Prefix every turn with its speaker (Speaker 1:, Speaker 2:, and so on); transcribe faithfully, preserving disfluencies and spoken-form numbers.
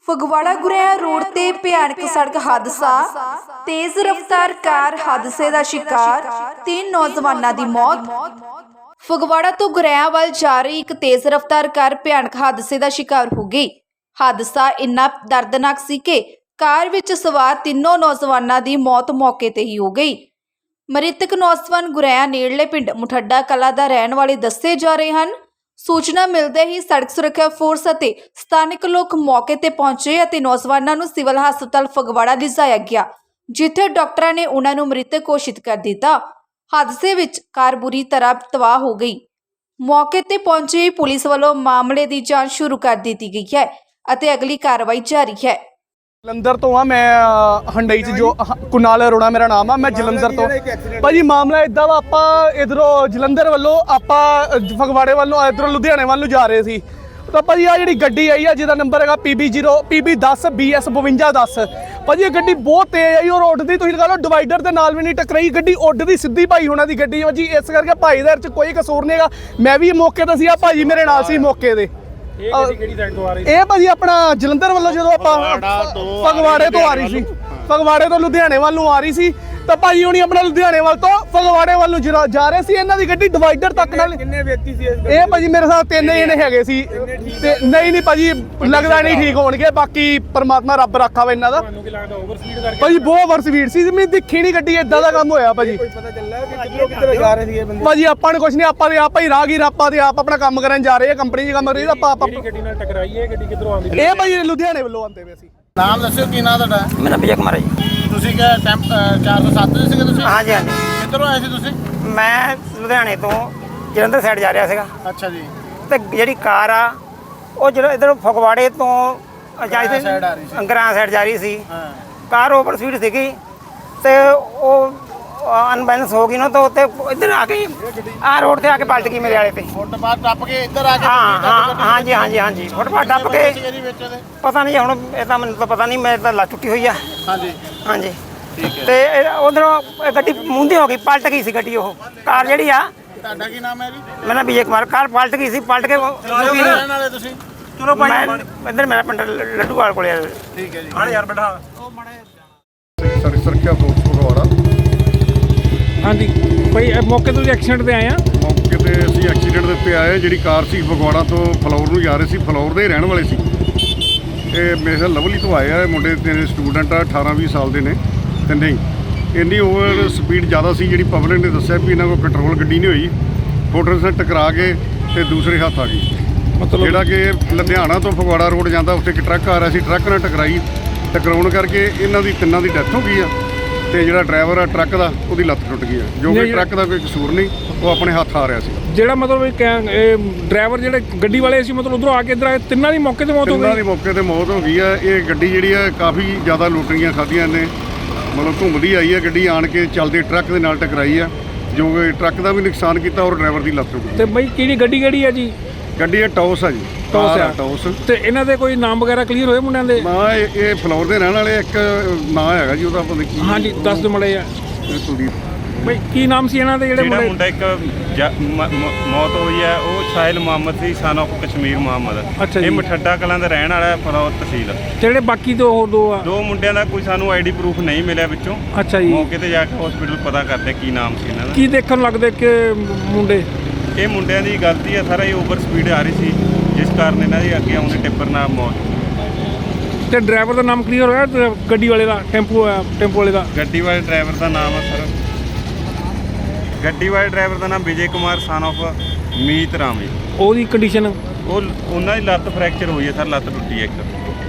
Speaker 1: Phagwara ਗੁਰੇਆ road ते भयानक सड़क हादसा। तेज रफ्तार कार हादसे का शिकार, तीन नौजवानों की मौत। फगवाड़ा तो गुरैया वाल जा रही एक तेज रफ्तार कार भयानक हादसे का शिकार हो गई। हादसा इन्ना दर्दनाक सी कि कार विच सवार तीनों नौजवानों की मौत मौके ते ही हो गई। मृतक नौजवान गुरैया नेड़ले पिंड मुठड्डा कला दा रहण वाले दस्से जा रहे हैं। सूचना मिलते ही सड़क सुरक्षा फोर्स ਅਤੇ ਸਥਾਨਕ ਲੋਕ मौके ਤੇ ਪਹੁੰਚੇ ਅਤੇ ਨੌਜਵਾਨਾਂ ਨੂੰ ਸਿਵਲ ਹਸਪਤਾਲ ਫਗਵਾੜਾ ਲਿਜਾਇਆ ਗਿਆ, ਜਿੱਥੇ ਡਾਕਟਰਾਂ ਨੇ ਉਹਨਾਂ ਨੂੰ ਮ੍ਰਿਤਕ ਘੋਸ਼ਿਤ ਕਰ ਦਿੱਤਾ। ਹਾਦਸੇ ਵਿੱਚ ਕਾਰ ਬੁਰੀ ਤਰ੍ਹਾਂ ਤਬਾਹ ਹੋ ਗਈ। ਮੌਕੇ ਤੇ ਪਹੁੰਚੀ ਪੁਲਿਸ ਵੱਲੋਂ ਮਾਮਲੇ ਦੀ ਜਾਂਚ ਸ਼ੁਰੂ ਕਰ ਦਿੱਤੀ ਗਈ ਹੈ ਅਤੇ ਅਗਲੀ ਕਾਰਵਾਈ ਜਾਰੀ ਹੈ।
Speaker 2: ਜਲੰਧਰ ਤੋਂ ਆ ਮੈਂ ਹੰਡਈ ਚ ਜੋ ਕੁਨਾਲ ਅਰੋੜਾ ਮੇਰਾ ਨਾਮ ਆ। ਮੈਂ ਜਲੰਧਰ ਤੋਂ ਭਾਜੀ ਮਾਮਲਾ ਇਦਾਂ ਵਾ, ਆਪਾਂ ਇਧਰੋਂ ਜਲੰਧਰ ਵੱਲੋਂ ਆਪਾਂ ਫਗਵਾੜੇ ਵੱਲੋਂ ਇਧਰੋਂ ਲੁਧਿਆਣੇ ਵੱਲ ਨੂੰ ਜਾ ਰਹੇ ਸੀ ਤਾਂ ਭਾਜੀ ਆ ਜਿਹੜੀ ਗੱਡੀ ਆਈ ਆ ਜਿਹਦਾ ਨੰਬਰ ਹੈਗਾ P B zero P B ਦਸ ਬੀ ਐਸ ਬਵੰਜਾ ਦਸ। ਭਾਜੀ ਇਹ ਗੱਡੀ ਬਹੁਤ ਤੇਜ਼ ਆਈ ਔਰ ਉੱਡਦੀ, ਤੁਸੀਂ ਲਗਾ ਲਓ ਡਿਵਾਈਡਰ ਦੇ ਨਾਲ ਵੀ ਨਹੀਂ ਟਕਰਾਈ, ਗੱਡੀ ਉੱਡਦੀ ਸਿੱਧੀ ਭਾਈ ਹੋਣਾ ਦੀ ਗੱਡੀ ਭਾਜੀ। ਇਸ ਕਰਕੇ ਭਾਈ ਦੇ ਚ ਕੋਈ ਕਸੂਰ ਨਹੀਂ ਹੈਗਾ। ਮੈਂ ਵੀ ਮੌਕੇ ਤੇ ਸੀ, ਆ ਭਾਜੀ ਮੇਰੇ ਨਾਲ ਸੀ ਮੌਕੇ ਦੇ। ਇਹ ਗੱਡੀ ਕਿਹੜੀ ਸਾਈਡ ਤੋਂ ਆ ਰਹੀ ਸੀ? ਇਹ ਭਾਜੀ ਆਪਣਾ ਜਲੰਧਰ ਵੱਲੋਂ ਜਦੋਂ ਆਪਾਂ ਫਗਵਾੜੇ ਤੋਂ ਆ ਰਹੀ ਸੀ, ਫਗਵਾੜੇ ਤੋਂ ਲੁਧਿਆਣੇ ਵੱਲ ਨੂੰ ਆ ਰਹੀ ਸੀ ਤਾਂ ਭਾਜੀ ਹੁਣੀ ਆਪਣਾ ਲੁਧਿਆਣੇ ਵੱਲ ਤੋਂ ਫਗਵਾੜੇ ਵੱਲ ਨੂੰ ਜਾ ਰਹੇ ਸੀ। ਇਹਨਾਂ ਦੀ ਗੱਡੀ ਡਿਵਾਈਡਰ ਤੱਕ ਨਾਲ। ਕਿੰਨੇ ਵਿਅਕਤੀ ਸੀ ਇਹ ਭਾਜੀ? ਮੇਰੇ ਸਾਥ ਤਿੰਨ ਜਣੇ ਹੈਗੇ ਸੀ। ਤੇ ਨਹੀਂ ਨਹੀਂ ਭਾਜੀ ਲੱਗਦਾ ਨਹੀਂ ਠੀਕ ਹੋਣਗੇ, ਬਾਕੀ ਪਰਮਾਤਮਾ ਰੱਬ ਰੱਖਾ ਵਾ ਇਹਨਾਂ ਦਾ। ਤੁਹਾਨੂੰ ਕੀ ਲੱਗਦਾ ਓਵਰ ਸਪੀਡ ਕਰਕੇ? ਭਾਜੀ ਬਹੁਤ ਓਵਰ ਸਪੀਡ ਸੀ, ਮੈਂ ਦੇਖੀ ਨਹੀਂ ਗੱਡੀ, ਇਦਾਂ ਦਾ ਕੰਮ ਹੋਇਆ ਭਾਜੀ। ਕੋਈ ਪਤਾ ਚੱਲਿਆ ਕਿ ਕਿੱਧਰੋਂ ਕਿੱਧਰ ਜਾ ਰਹੇ ਸੀ ਇਹ ਬੰਦੇ? ਭਾਜੀ ਆਪਾਂ ਨੂੰ ਕੁਝ ਨਹੀਂ, ਆਪਾਂ ਦੇ ਆਪਾਂ ਹੀ ਰਾਹਗੀਰ, ਆਪਾਂ ਦੇ ਆਪ ਆਪਣਾ ਕੰਮ ਕਰਨ ਜਾ ਰਹੇ ਆ, ਕੰਪਨੀ 'ਚ ਕੰਮ ਕਰ ਰਹੀ। ਆਪਾਂ ਆਪਾਂ ਗੱਡੀ ਨਾਲ ਟਕਰਾਈ ਹੈ, ਗੱਡੀ ਕਿੱਧਰੋਂ ਆਉਂਦੀ? ਇਹ ਭਾਜੀ ਲੁਧਿਆਣੇ ਵੱਲੋਂ ਆਉਂਦੇ ਪਏ ਸੀ।
Speaker 3: ਨਾਮ ਦੱਸਿਓ ਕੀ ਨਾਮ ਤੁਹਾਡਾ?
Speaker 4: ਮੇਰਾ ਵਿਜੇ ਕੁਮਾਰ ਜੀ।
Speaker 3: ਤੁਸੀਂ ਕਿਹਾ ਟੈਂਪ ਚਾਰ ਸੌ ਸੱਤ ਦੇ ਸੀਗੇ ਤੁਸੀਂ?
Speaker 4: ਹਾਂਜੀ ਹਾਂਜੀ।
Speaker 3: ਕਿੱਧਰੋਂ ਆਏ ਸੀ ਤੁਸੀਂ?
Speaker 4: ਮੈਂ ਲੁਧਿਆਣੇ ਤੋਂ ਜਲੰਧਰ ਸਾਈਡ ਜਾ ਰਿਹਾ ਸੀਗਾ।
Speaker 3: ਅੱਛਾ ਜੀ।
Speaker 4: ਤੇ ਜਿਹੜੀ ਕਾਰ ਆ ਉਹ ਜਿਹੜਾ ਇੱਧਰੋਂ ਫਗਵਾੜੇ ਤੋਂ ਜਾ ਰਹੀ ਸੀ, ਅੰਗਰਾਂ ਸਾਈਡ ਜਾ ਰਹੀ ਸੀ।
Speaker 3: ਹਾਂ।
Speaker 4: ਕਾਰ ਓਵਰ ਸਪੀਡ ਸੀਗੀ ਤੇ ਉਹ ਅਨਬੈਲੈਂਸ ਹੋ ਗਈ ਨਾ, ਤਾਂ ਉੱਤੇ ਇੱਧਰ ਆ ਕੇ ਆਹ ਰੋਡ ਤੇ ਆ ਕੇ ਪਲਟ ਗਈ ਮੇਰੇ ਵਾਲੇ ਤੇ।
Speaker 3: ਫੁੱਟਪਾਥ ਟੱਪ ਕੇ ਇੱਧਰ ਆ ਕੇ?
Speaker 4: ਹਾਂ ਹਾਂ ਹਾਂਜੀ ਹਾਂਜੀ ਹਾਂਜੀ ਫੁੱਟਪਾਥ ਟੱਪ ਕੇ। ਪਤਾ ਨਹੀਂ ਹੁਣ, ਇਹ ਤਾਂ ਮੈਨੂੰ ਤਾਂ ਪਤਾ ਨਹੀਂ, ਮੇਰੇ ਤਾਂ ਲੱਤ ਟੁੱਟੀ ਹੋਈ ਆ। ਹਾਂਜੀ ਹਾਂਜੀ ਠੀਕ ਹੈ। ਤੇ ਉਧਰੋਂ ਗੱਡੀ ਮੂੰਹਦੀ ਹੋ ਗਈ, ਪਲਟ ਗਈ ਸੀ ਗੱਡੀ। ਉਹ ਕਾਰ ਜਿਹੜੀ ਆ।
Speaker 3: ਤੁਹਾਡਾ ਕੀ ਨਾਮ ਹੈ ਜੀ?
Speaker 4: ਮੇਰਾ ਵਿਜੇ ਕੁਮਾਰ। ਕਾਰ ਪਲਟ ਗਈ ਸੀ, ਪਲਟ ਕੇ
Speaker 3: ਰਹਿਣ ਵਾਲੇ ਤੁਸੀਂ?
Speaker 4: ਚਲੋ ਮੈਂ ਇੱਧਰ ਮੇਰਾ ਪਿੰਡ ਲੱਡੂਵਾਲ ਕੋਲੇ ਆ।
Speaker 3: ਠੀਕ ਹੈ ਜੀ।
Speaker 4: ਹਾਂ ਯਾਰ ਬੈਠਾ
Speaker 5: ਸਾਡੀ ਸੁਰੱਖਿਆ ਫੋਰਸ ਫਗਵਾੜਾ।
Speaker 6: ਹਾਂਜੀ ਭਾਈ ਮੌਕੇ ਤੋਂ ਐਕਸੀਡੈਂਟ ਤੇ ਆਏ ਆ।
Speaker 5: ਮੌਕੇ ਤੇ ਅਸੀਂ ਐਕਸੀਡੈਂਟ ਦੇ ਉੱਤੇ ਆਏ। ਜਿਹੜੀ ਕਾਰ ਸੀ ਫਗਵਾੜਾ ਤੋਂ ਫਲੌਰ ਨੂੰ ਜਾ ਰਹੇ ਸੀ, ਫਲੌਰ ਦੇ ਰਹਿਣ ਵਾਲੇ ਸੀ। ਇਹ ਮੇਰੇ ਖਿਆਲ ਲਵਲੀ ਤੋਂ ਆਏ ਆ ਮੁੰਡੇ, ਤਿੰਨ ਸਟੂਡੈਂਟ ਆ, ਅਠਾਰਾਂ ਵੀਹ ਸਾਲ ਦੇ ਨੇ ਤਿੰਨੇ ਹੀ। ਇੰਨੀ ਓਵਰ ਸਪੀਡ ਜ਼ਿਆਦਾ ਸੀ, ਜਿਹੜੀ ਪਬਲਿਕ ਨੇ ਦੱਸਿਆ ਵੀ ਇਹਨਾਂ ਕੋਲ ਕੰਟਰੋਲ ਗੱਡੀ ਨਹੀਂ ਹੋਈ, ਮੋਟਰਸਾਈਕਲ ਟਕਰਾ ਕੇ ਤੇ ਦੂਸਰੇ ਹੱਥ ਆ ਗਈ। ਮਤਲਬ ਜਿਹੜਾ ਕਿ ਲੁਧਿਆਣਾ ਤੋਂ ਫਗਵਾੜਾ ਰੋਡ ਜਾਂਦਾ, ਉੱਥੇ ਇੱਕ ਟਰੱਕ ਆ ਰਿਹਾ ਸੀ, ਟਰੱਕ ਨਾਲ ਟਕਰਾਈ। ਟਕਰਾਉਣ ਕਰਕੇ ਇਹਨਾਂ ਦੀ ਤਿੰਨਾਂ ਦੀ ਡੈਥ ਹੋ ਗਈ ਆ ਤੇ ਜਿਹੜਾ ਡਰਾਈਵਰ ਆ ਟਰੱਕ ਦਾ, ਉਹਦੀ ਲੱਤ ਟੁੱਟ ਗਈ ਆ, ਜੋ ਕਿ ਟਰੱਕ ਦਾ ਕੋਈ ਕਸੂਰ ਨਹੀਂ, ਉਹ ਆਪਣੇ ਹੱਥ ਆ ਰਿਹਾ ਸੀ। ਜਿਹੜਾ ਮਤਲਬ ਇਹ ਡਰਾਈਵਰ ਜਿਹੜੇ ਗੱਡੀ ਵਾਲੇ ਸੀ, ਮਤਲਬ ਉਧਰੋਂ ਆ ਕੇ ਇੱਧਰ ਆਏ, ਤਿੰਨਾਂ ਦੀ ਮੌਕੇ ਤੇ ਮੌਤ ਹੋ ਗਈ। ਤਿੰਨਾਂ ਦੀ ਮੌਕੇ ਤੇ ਮੌਤ ਹੋ ਗਈ ਆ। ਇਹ ਗੱਡੀ ਜਿਹੜੀ ਆ ਕਾਫੀ ਜ਼ਿਆਦਾ ਲੁੱਟਰੀਆਂ ਖਾਧੀਆਂ ਨੇ, ਮਤਲਬ ਘੁੰਮਦੀ ਆਈ ਆ ਗੱਡੀ, ਆਣ ਕੇ ਚੱਲਦੇ ਟਰੱਕ ਦੇ ਨਾਲ ਟਕਰਾਈ ਆ, ਜੋ ਕਿ ਟਰੱਕ ਦਾ ਵੀ ਨੁਕਸਾਨ ਕੀਤਾ ਔਰ ਡਰਾਈਵਰ ਦੀ ਲੱਤ ਟੁੱਟ ਗਈ। ਤੇ ਬਈ ਕਿਹੜੀ ਗੱਡੀ ਕਿਹੜੀ ਆ ਜੀ? ਗੱਡੀ ਇਹ ਟੌਸ ਆ ਜੀ। ਟੌਸ ਆ ਟੌਸ। ਤੇ ਇਹਨਾਂ ਦੇ ਕੋਈ ਨਾਮ ਵਗੈਰਾ ਕਲੀਅਰ ਹੋਏ ਮੁੰਡਿਆਂ ਦੇ? ਨਾ ਇਹ ਇਹ ਫਲੋਰ ਦੇ ਰਹਿਣ ਵਾਲੇ, ਇੱਕ ਨਾਂ ਹੈਗਾ ਜੀ ਉਹਦਾ ਪਤਾ ਕੀ। ਹਾਂਜੀ ਦੱਸ ਦਿਓ ਮੜੇ ਆ। ਕੁਲਦੀਪ। ਬਈ ਕੀ ਨਾਮ ਸੀ ਇਹਨਾਂ ਦੇ ਜਿਹੜੇ ਮੁੰਡੇ? ਮੁੰਡਾ ਇੱਕ ਮੌਤ ਹੋਈ ਹੈ, ਉਹ ਸਾਹਿਲ ਮੁਹੰਮਦ ਸੀ, ਸਨ ਆਫ ਕਸ਼ਮੀਰ ਮੁਹੰਮਦ। ਅੱਛਾ ਜੀ। ਇਹ ਮਠੱਡਾ ਕਲਾਂ ਦਾ ਰਹਿਣ ਵਾਲਾ ਹੈ, ਫਲੌਰ ਤਹਿਸੀਲ। ਜਿਹੜੇ ਬਾਕੀ ਦੋ ਹੋਰ ਦੋ ਆ? ਦੋ ਮੁੰਡਿਆਂ ਦਾ ਕੋਈ ਸਾਨੂੰ ਆਈਡੀ ਪ੍ਰੂਫ ਨਹੀਂ ਮਿਲਿਆ ਵਿੱਚੋਂ। ਅੱਛਾ ਜੀ। ਮੌਕੇ ਤੇ ਜਾ ਕੇ ਹਸਪੀਟਲ ਪਤਾ ਕਰਦੇ ਕੀ ਨਾਮ ਸੀ ਇਹਨਾਂ ਦਾ। ਕੀ ਦੇਖਣ ਲੱਗਦੇ ਕਿ ਮੁੰਡੇ? ਇਹ ਮੁੰਡਿਆਂ ਦੀ ਗਲਤੀ ਹੈ ਸਾਰਾ, ਇਹ ਓਵਰ ਸਪੀਡ ਆ ਰਹੀ ਸੀ, ਜਿਸ ਕਾਰਨ ਇਹਨਾਂ ਦੀ ਅੱਗੇ ਆਉਂਦੇ ਟਿੱਪਰ ਨਾਲ ਮੌਤ। ਤੇ ਡਰਾਈਵਰ ਦਾ ਨਾਮ ਕਲੀਅਰ ਹੋਇਆ? ਗੱਡੀ ਵਾਲੇ ਦਾ, ਟੈਂਪੂ ਟੈਂਪੂ ਵਾਲੇ ਦਾ? ਗੱਡੀ ਵਾਲੇ ਡਰਾਈਵਰ ਦਾ ਨਾਮ ਹੈ ਸਰ, ਗੱਡੀ ਵਾਲੇ ਡਰਾਈਵਰ ਦਾ ਨਾਮ ਵਿਜੇ ਕੁਮਾਰ ਸਨ ਆਫ ਮੀਤ ਰਾਮ ਜੀ। ਉਹਦੀ ਕੰਡੀਸ਼ਨ? ਉਹ ਉਹਨਾਂ ਦੀ ਲੱਤ ਫ੍ਰੈਕਚਰ ਹੋਈ ਹੈ ਸਰ, ਲੱਤ ਟੁੱਟੀ ਹੈ ਇੱਕ।